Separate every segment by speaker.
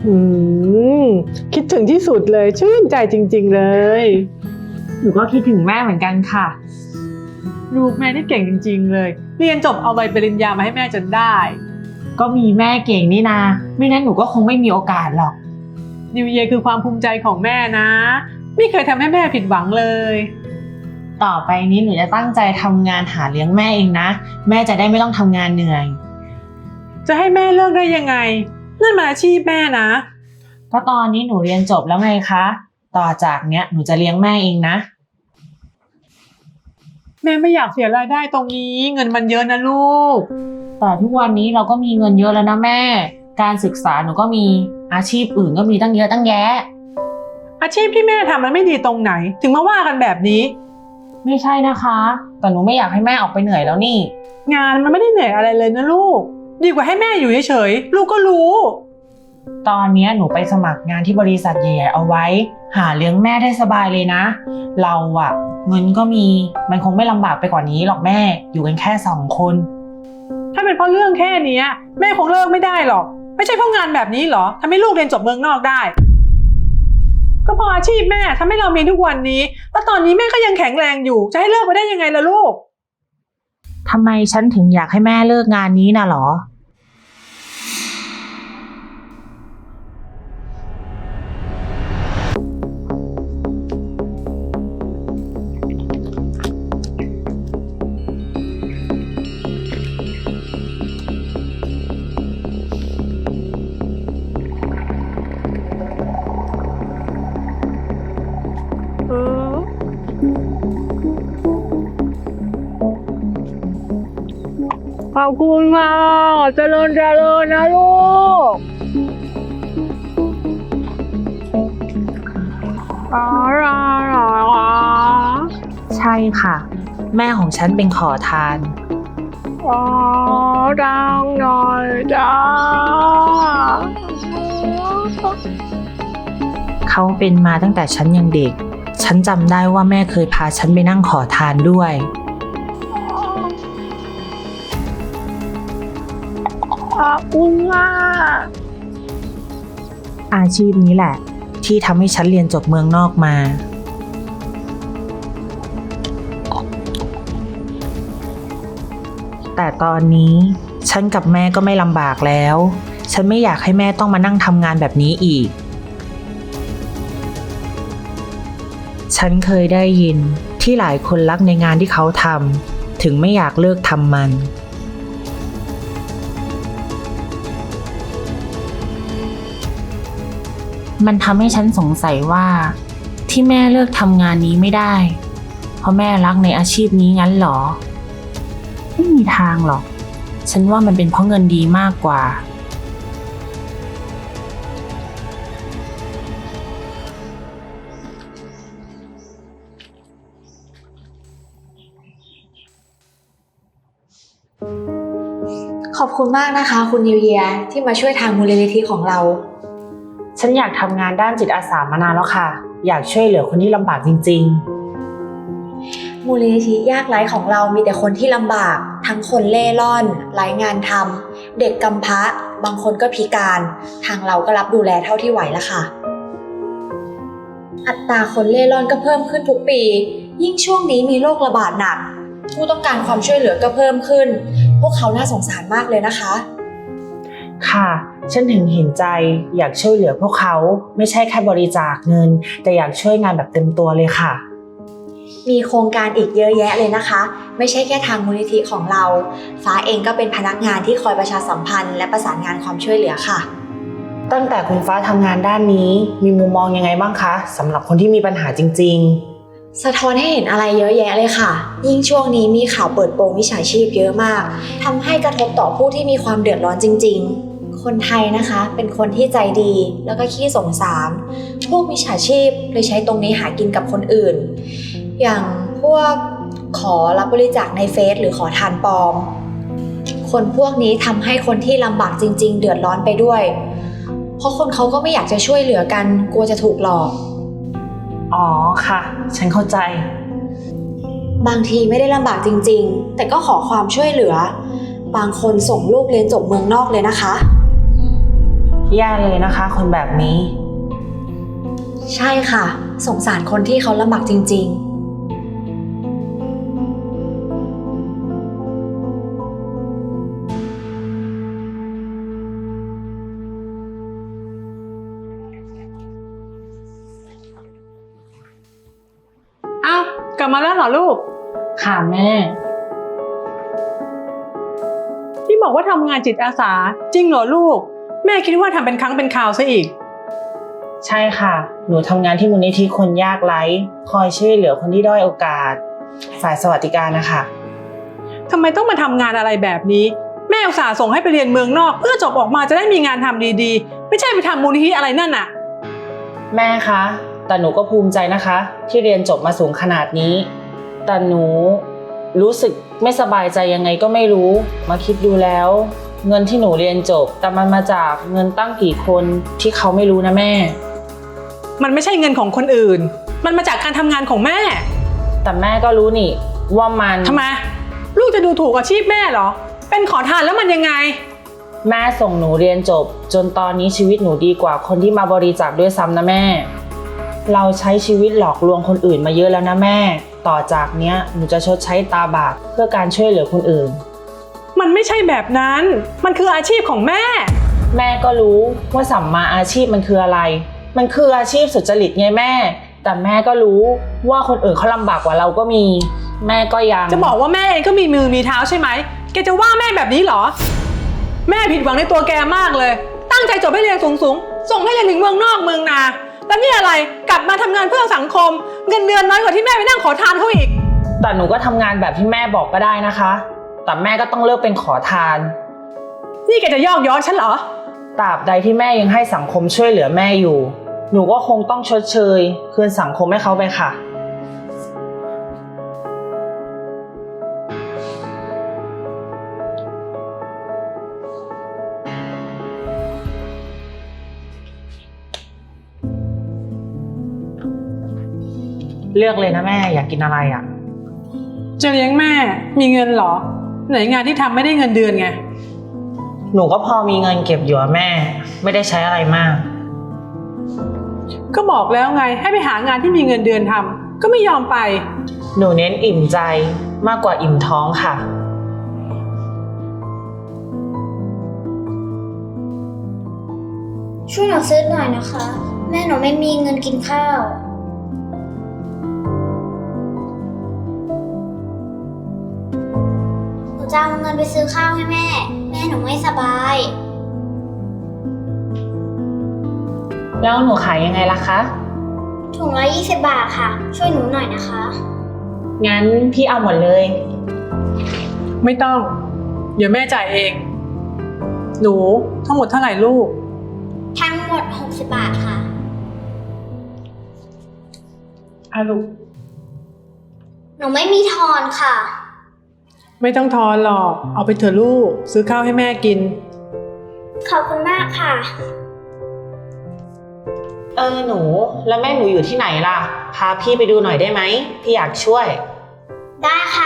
Speaker 1: อืมคิดถึงที่สุดเลยชื่นใจจริงๆเลย
Speaker 2: หนูก็คิดถึงแม่เหมือนกันค่ะ
Speaker 1: ลูกแม่นี่เก่งจริงๆเลยเรียนจบเอาใบปริญญามาให้แม่จนได้
Speaker 2: ก็มีแม่เก่งนี่นาไม่นั้นหนูก็คงไม่มีโอกาสหรอก
Speaker 1: นิวเยียร์คือความภูมิใจของแม่นะไม่เคยทำให้แม่ผิดหวังเลย
Speaker 2: ต่อไปนี้หนูจะตั้งใจทำงานหาเลี้ยงแม่เองนะแม่จะได้ไม่ต้องทำงานเหนื่อย
Speaker 1: จะให้แม่เลิกได้ยังไงนั่นมันอาชีพแม่นะ
Speaker 2: ก็ตอนนี้หนูเรียนจบแล้วไงคะต่อจากเนี้ยหนูจะเลี้ยงแม่เองนะ
Speaker 1: แม่ไม่อยากเสียรายได้ตรงนี้เงินมันเยอะนะลูก
Speaker 2: แต่ทุกวันนี้เราก็มีเงินเยอะแล้วนะแม่การศึกษาหนูก็มีอาชีพอื่นก็มีตั้งเยอะตั้งแยะ
Speaker 1: อาชีพที่แม่ทำมันไม่ดีตรงไหนถึงมาว่ากันแบบนี้
Speaker 2: ไม่ใช่นะคะแต่หนูไม่อยากให้แม่ออกไปเหนื่อยแล้วนี่
Speaker 1: งานมันไม่ได้เหนื่อยอะไรเลยนะลูกดีกว่าให้แม่อยู่เฉยๆลูกก็รู้
Speaker 2: ตอนนี้หนูไปสมัครงานที่บริษัทใหญ่ๆเอาไว้หาเลี้ยงแม่ได้สบายเลยนะเราอะเงินก็มีมันคงไม่ลำบากไปกว่านี้หรอกแม่อยู่กันแค่2 คน
Speaker 1: ถ้าเป็นเพราะเรื่องแค่นี้แม่คงเลิกไม่ได้หรอกไม่ใช่เพราะงานแบบนี้หรอทำให้ลูกเรียนจบเมืองนอกได้ก็เพราะอาชีพแม่ทำให้เรามีทุกวันนี้แล้วตอนนี้แม่ก็ยังแข็งแรงอยู่จะให้เลิกไปได้ยังไงล่ะลูก
Speaker 2: ทำไมฉันถึงอยากให้แม่เลิกงานนี้น่ะหรอ
Speaker 1: ขอบคุณค่ะเจริญเจริญนะลูก
Speaker 2: ใช่ค่ะแม่ของฉันเป็นขอทาน
Speaker 1: ดังหน่อยจ้า
Speaker 2: เขาเป็นมาตั้งแต่ฉันยังเด็กฉันจำได้ว่าแม่เคยพาฉันไปนั่งขอทานด้วย
Speaker 1: ขอบคุณค่ะ
Speaker 2: อาชีพนี้แหละที่ทำให้ฉันเรียนจบเมืองนอกมาแต่ตอนนี้ฉันกับแม่ก็ไม่ลำบากแล้วฉันไม่อยากให้แม่ต้องมานั่งทำงานแบบนี้อีกฉันเคยได้ยินที่หลายคนรักในงานที่เขาทำถึงไม่อยากเลิกทำมันทำให้ฉันสงสัยว่าที่แม่เลิกทำงานนี้ไม่ได้เพราะแม่รักในอาชีพนี้งั้นหรอไม่มีทางหรอกฉันว่ามันเป็นเพราะเงินดีมากกว่า
Speaker 3: ขอบคุณมากนะคะคุณนิวเยียร์ที่มาช่วยทางมูลนิธิของเรา
Speaker 2: ฉันอยากทำงานด้านจิตอาสามานานแล้วค่ะอยากช่วยเหลือคนที่ลำบากจริง
Speaker 3: ๆมูลนิธิยากไร้ของเรามีแต่คนที่ลำบากทั้งคนเล่ร่อนไร้งานทำเด็กกำพร้าบางคนก็พิการทางเราก็รับดูแลเท่าที่ไหวละค่ะอัตราคนเล่ร่อนก็เพิ่มขึ้นทุกปียิ่งช่วงนี้มีโรคระบาดหนักผู้ต้องการความช่วยเหลือก็เพิ่มขึ้นพวกเขาน่าสงสารมากเลยนะคะ
Speaker 2: ค่ะฉันถึงเห็นใจอยากช่วยเหลือพวกเขาไม่ใช่แค่บริจาคเงินแต่อยากช่วยงานแบบเต็มตัวเลยค่ะ
Speaker 3: มีโครงการอีกเยอะแยะเลยนะคะไม่ใช่แค่ทางมูลนิธิของเราฟ้าเองก็เป็นพนักงานที่คอยประชาสัมพันธ์และประสานงานความช่วยเหลือค่ะ
Speaker 2: ตั้งแต่คุณฟ้าทำงานด้านนี้มีมุมมองยังไงบ้างคะสำหรับคนที่มีปัญหาจริง
Speaker 3: ๆสะท้อนให้เห็นอะไรเยอะแยะเลยค่ะยิ่งช่วงนี้มีข่าวเปิดโปงมิจฉาชีพเยอะมากทำให้กระทบต่อผู้ที่มีความเดือดร้อนจริงๆคนไทยนะคะเป็นคนที่ใจดีแล้วก็ขี้สงสารพวกมิจฉาชีพเลยใช้ตรงนี้หากินกับคนอื่นอย่างพวกขอรับบริจาคในเฟซหรือขอทานปลอมคนพวกนี้ทำให้คนที่ลำบากจริงๆเดือดร้อนไปด้วยเพราะคนเขาก็ไม่อยากจะช่วยเหลือกันกลัวจะถูกหลอก
Speaker 2: อ๋อค่ะฉันเข้าใจ
Speaker 3: บางทีไม่ได้ลำบากจริงๆแต่ก็ขอความช่วยเหลือบางคนส่งลูกเรียนจบเมืองนอกเลยนะคะ
Speaker 2: แย่เลยนะคะ คนแบบนี้
Speaker 3: ใช่ค่ะ สงสารคนที่เขาลำบากจริงๆ
Speaker 1: เอ้า กลับมาแล้วเหรอลูก
Speaker 2: ค่ะแม่
Speaker 1: ที่บอกว่าทำงานจิตอาสา จริงเหรอลูก แม่คิดว่าทำเป็นครั้งเป็นคราวซะอีก
Speaker 2: ใช่ค่ะ หนูทำงานที่มูลนิธิคนยากไร้คอยช่วยเหลือคนที่ด้อยโอกาส ฝ่ายสวัสดิการนะคะ
Speaker 1: ทำไมต้องมาทำงานอะไรแบบนี้ แม่อุตส่าห์ส่งให้ไปเรียนเมืองนอก เพื่อจบออกมาจะได้มีงานทำดีๆ ไม่ใช่ไปทำมูลนิธิอะไรนั่นน่ะ
Speaker 2: แม่คะ แต่หนูก็ภูมิใจนะคะ ที่เรียนจบมาสูงขนาดนี้ แต่หนูรู้สึกไม่สบายใจยังไงก็ไม่รู้ มาคิดดูแล้ว เงินที่หนูเรียนจบ แต่มันมาจากเงินตั้งกี่คนที่เขาไม่รู้นะแม่
Speaker 1: มันไม่ใช่เงินของคนอื่น มันมาจากการทำงานของแม่
Speaker 2: แต่แม่ก็รู้นี่ว่ามัน
Speaker 1: ทำไม ลูกจะดูถูกอาชีพแม่เหรอ เป็นขอทานแล้วมันยังไง
Speaker 2: แม่ส่งหนูเรียนจบ จนตอนนี้ชีวิตหนูดีกว่าคนที่มาบริจาคด้วยซ้ำนะแม่ เราใช้ชีวิตหลอกลวงคนอื่นมาเยอะแล้วนะแม่ ต่อจากเนี้ยหนูจะชดใช้ตาบาปเพื่อการช่วยเหลือคนอื่น
Speaker 1: มันไม่ใช่แบบนั้น มันคืออาชีพของแม่
Speaker 2: แม่ก็รู้ว่าสัมมาอาชีพมันคืออะไร มันคืออาชีพสุจริตไงแม่ แต่แม่ก็รู้ว่าคนอื่นเขาลำบากกว่าเราก็มี แม่ก็ยัง
Speaker 1: จะบอกว่าแม่เองก็มีมือมีเท้าใช่ไหม แกจะว่าแม่แบบนี้เหรอ แม่ผิดหวังในตัวแกมากเลย ตั้งใจจบให้เรียนสูงๆ ส่งให้เรียนถึงเมืองนอกเมืองนา แล้วนี่อะไร กลับมาทำงานเพื่อสังคม เงินเดือนน้อยกว่าที่แม่ไปนั่งขอทานเขาอีก
Speaker 2: แต่หนูก็ทำงานแบบที่แม่บอกก็ได้นะคะ แต่แม่ก็ต้องเลิกเป็นขอทาน
Speaker 1: นี่แกจะยอกย้อนฉันเหรอ
Speaker 2: ตราบใดที่แม่ยังให้สังคมช่วยเหลือแม่อยู่ หนูก็คงต้องชดเชยคืนสังคมให้เขาไปค่ะ เลือกเลยนะแม่อยากกินอะไรอ่ะ
Speaker 1: จะเลี้ยงแม่ มีเงินเหรอ ไหนงานที่ทำไม่ได้เงินเดือนไง
Speaker 2: หนูก็พอมีเงินเก็บอยู่อะแม่ ไม่ได้ใช้อะไรมาก
Speaker 1: ก็บอกแล้วไง ให้ไปหางานที่มีเงินเดือนทำก็ไม่ยอมไป
Speaker 2: หนูเน้นอิ่มใจมากกว่าอิ่มท้องค่ะ
Speaker 4: ช่วยหนูซื้อหน่อยนะคะ แม่หนูไม่มีเงินกินข้าว หนูจะเอาเงินไปซื้อข้าวให้แม่ แม่หนูไม่สบาย
Speaker 2: แล้วหนูขายยังไงล่ะคะ
Speaker 4: ถุงละ20 บาทค่ะ ช่วยหนูหน่อยนะคะ
Speaker 2: งั้นพี่เอาหมดเลย
Speaker 1: ไม่ต้อง เดี๋ยวแม่จ่ายเอง หนูทั้งหมดเท่าไหร่ลูก
Speaker 4: ทั้งหมด60 บาทค่ะ
Speaker 1: ลูก
Speaker 4: หนูไม่มีทอนค่ะ
Speaker 1: ไม่ต้องทอนหรอก เอาไปเถอะลูก ซื้อข้าวให้แม่กิน
Speaker 4: ขอบคุณมากค่ะ
Speaker 2: หนูแล้วแม่หนูอยู่ที่ไหนล่ะ พาพี่ไปดูหน่อยได้ไหม พี่อยากช่วย
Speaker 4: ได้ค่ะ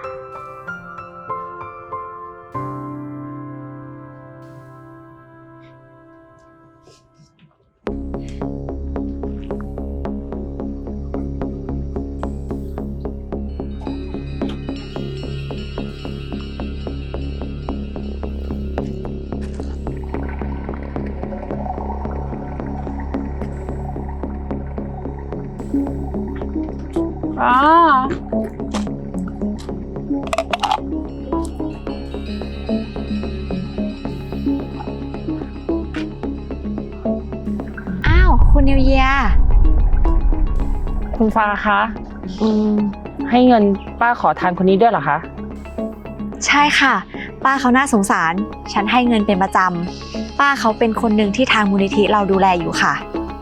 Speaker 1: อ๋อ
Speaker 3: อ้าว คุณนิวเยียร์
Speaker 2: คุณฟ้าคะให้เงินป้าขอทานคนนี้ด้วยเหรอคะ
Speaker 3: ใช่ค่ะ ป้าเขาน่าสงสาร ฉันให้เงินเป็นประจำ ป้าเขาเป็นคนหนึ่งที่ทางมูลนิธิเราดูแลอยู่ค่ะ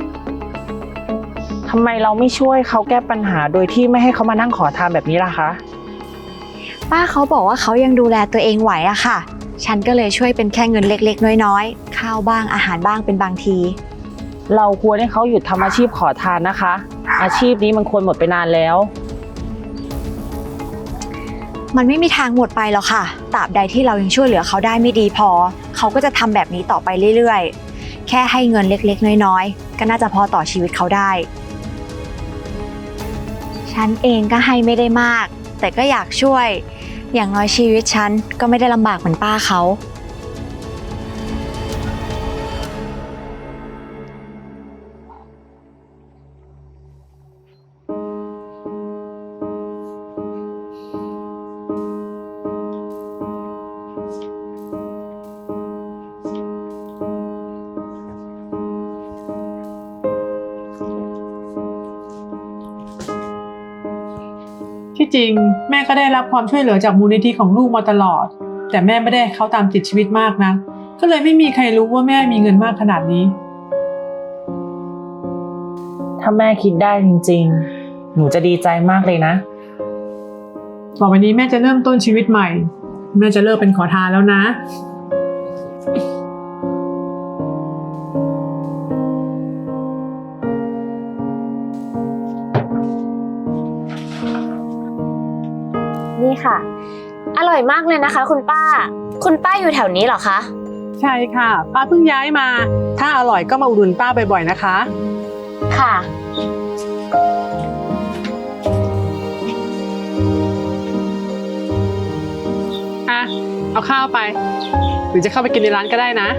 Speaker 2: ทำไมเราไม่ช่วยเขาแก้ปัญหาโดยที่ไม่ให้เขามานั่งขอทานแบบนี้ล่ะคะ
Speaker 3: ป้าเขาบอกว่าเขายังดูแลตัวเองไหวอะค่ะ ฉันก็เลยช่วยเป็นแค่เงินเล็กๆน้อยๆ ข้าวบ้างอาหารบ้างเป็นบางที
Speaker 2: เราควรให้เขาหยุดทำอาชีพขอทานนะคะ อาชีพนี้มันควรหมดไปนานแล้ว
Speaker 3: มันไม่มีทางหมดไปหรอกค่ะ ตราบใดที่เรายังช่วยเหลือเขาได้ไม่ดีพอ เขาก็จะทำแบบนี้ต่อไปเรื่อยๆแค่ให้เงินเล็กๆน้อยๆก็น่าจะพอต่อชีวิตเขาได้ ฉันเองก็ให้ไม่ได้มาก แต่ก็อยากช่วย อย่างน้อยชีวิตฉันก็ไม่ได้ลำบากเหมือนป้าเขา
Speaker 1: ที่จริงแม่ก็ได้รับความช่วยเหลือจากมูลนิธิของลูกมาตลอด แต่แม่ไม่ได้ให้เขาตามติดชีวิตมากนะก็เลยไม่มีใครรู้ว่าแม่มีเงินมากขนาดนี้
Speaker 2: ถ้าแม่คิดได้จริงๆ หนูจะดีใจมากเลยนะ
Speaker 1: ต่อไปนี้แม่จะเริ่มต้นชีวิตใหม่ แม่จะเลิกเป็นขอทานแล้วนะ
Speaker 5: นี่ค่ะ อร่อยมากเลยนะคะ คุณป้า คุณป้าอยู่แถวนี้เหรอคะ
Speaker 1: ใช่ค่ะป้าเพิ่งย้ายมา ถ้าอร่อยก็มาอุดหนุนป้าบ่อยๆนะคะ
Speaker 5: ค่ะ
Speaker 1: อ่ะเอาข้าวไป หรือจะเข้าไปกินในร้านก็ได้นะ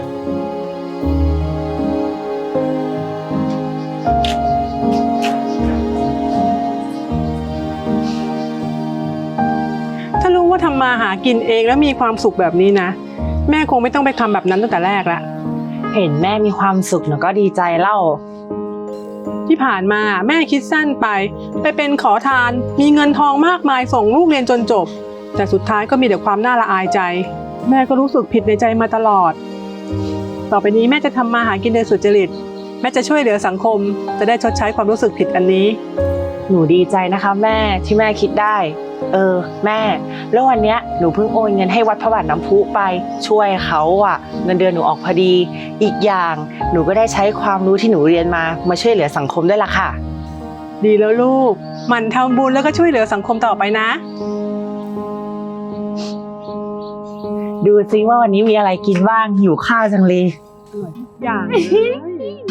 Speaker 1: ถ้ารู้ว่าทำมาหากินเองแล้วมีความสุขแบบนี้นะ แม่คงไม่ต้องไปทำแบบนั้นตั้งแต่แรกละ
Speaker 2: เห็นแม่มีความสุขหนูก็ดีใจเล่า
Speaker 1: ที่ผ่านมาแม่คิดสั้นไปเป็นขอทาน มีเงินทองมากมายส่งลูกเรียนจนจบ แต่สุดท้ายก็มีแต่ความน่าละอายใจ แม่ก็รู้สึกผิดในใจมาตลอด ต่อไปนี้แม่จะทำมาหากินโดยสุจริต แม่จะช่วยเหลือสังคม จะได้ชดใช้ความรู้สึกผิดอันนี้
Speaker 2: หนูดีใจนะคะแม่ที่แม่คิดได้ แม่ แล้ววันเนี้ยหนูเพิ่งโอนเงินให้วัดพระบาทน้ำพุไปช่วยเขาอ่ะเงินเดือนหนูออกพอดี อีกอย่างหนูก็ได้ใช้ความรู้ที่หนูเรียนมาช่วยเหลือสังคมด้วยล่ะค่ะ
Speaker 1: ดีแล้วลูกหมั่นทำบุญแล้วก็ช่วยเหลือสังคมต่อไปนะ
Speaker 2: ดูซิว่าวันนี้มีอะไรกินบ้างหิวข้าวจังเลย
Speaker 1: อย่างเลย